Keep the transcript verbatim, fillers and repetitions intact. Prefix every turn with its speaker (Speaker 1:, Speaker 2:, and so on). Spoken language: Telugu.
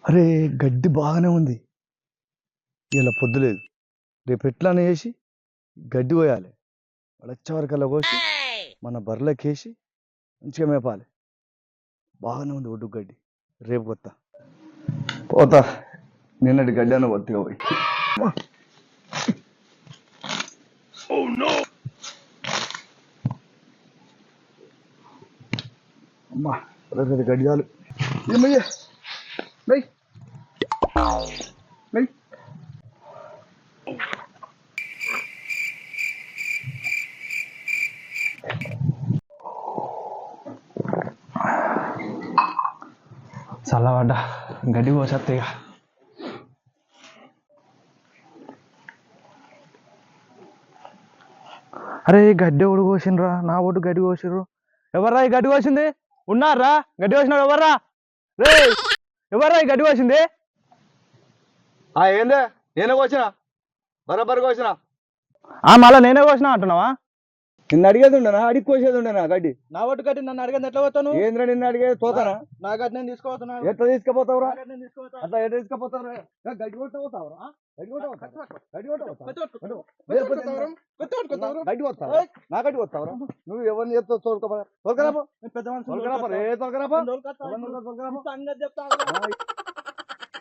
Speaker 1: అరే గడ్డి బాగానే ఉంది. ఇలా పొద్దులేదు. రేపు ఎట్లానే వేసి గడ్డి పోయాలి. వచ్చే వరకల్లా కోసి మన బర్రెలకేసి మంచిగా మేపాలి. బాగానే ఉంది ఒడ్డు గడ్డి. రేపు కొత్త పోతా. నిన్నటి గడ్డి అన్న కొత్తగా పోయి అమ్మా గడ్డి చాలు. ఏమయ్యా నై నై
Speaker 2: చల్లబడ్డ గడ్డి కోసేస్తే ఇక అరే గడ్డి ఒడు కోసిండ్రా, నా ఒడ్డు గడ్డి కోసిర్రు. ఎవర్రా ఈ గడ్డి కోసింది? ఉన్నారా గడ్డి కోసినాడు? ఎవర్రా రే? ఎవర్రా ఈ గడ్డి కోసింది?
Speaker 1: ఏందే నేనే కోసిన బరాబర్ కోసిన.
Speaker 2: మళ్ళా నేనే కోసినా అంటున్నావా?
Speaker 1: నిన్ను అడిగేది ఉండనా? అడిగి కోసేది ఉండనా గడ్డి?
Speaker 2: నా ఒడ్డు గడ్డి నన్ను అడిగేది ఎట్లా పోతాను?
Speaker 1: ఏంద్రా నిన్ను అడిగేది? తోతానా?
Speaker 2: నా గడ్డి నేను తీసుకోపోతున్నా.
Speaker 1: ఎట్లా తీసుకుపోతావురా? అట్లా ఎట్లా తీసుకుపోతావురా? గడ్డి కొట్ట పోతావురా? గడ్డి కొట్ట గడ్డి కొట్ట గడ్డి వస్తావు నా గడ్డి వస్తావురా? నువ్వు ఎవరిని చెప్తావు? తోలుకోపా తోలుకరాపో.
Speaker 2: పెద్ద
Speaker 1: తోలుకరాపో రే తోలుకరాపో.
Speaker 2: చెప్తా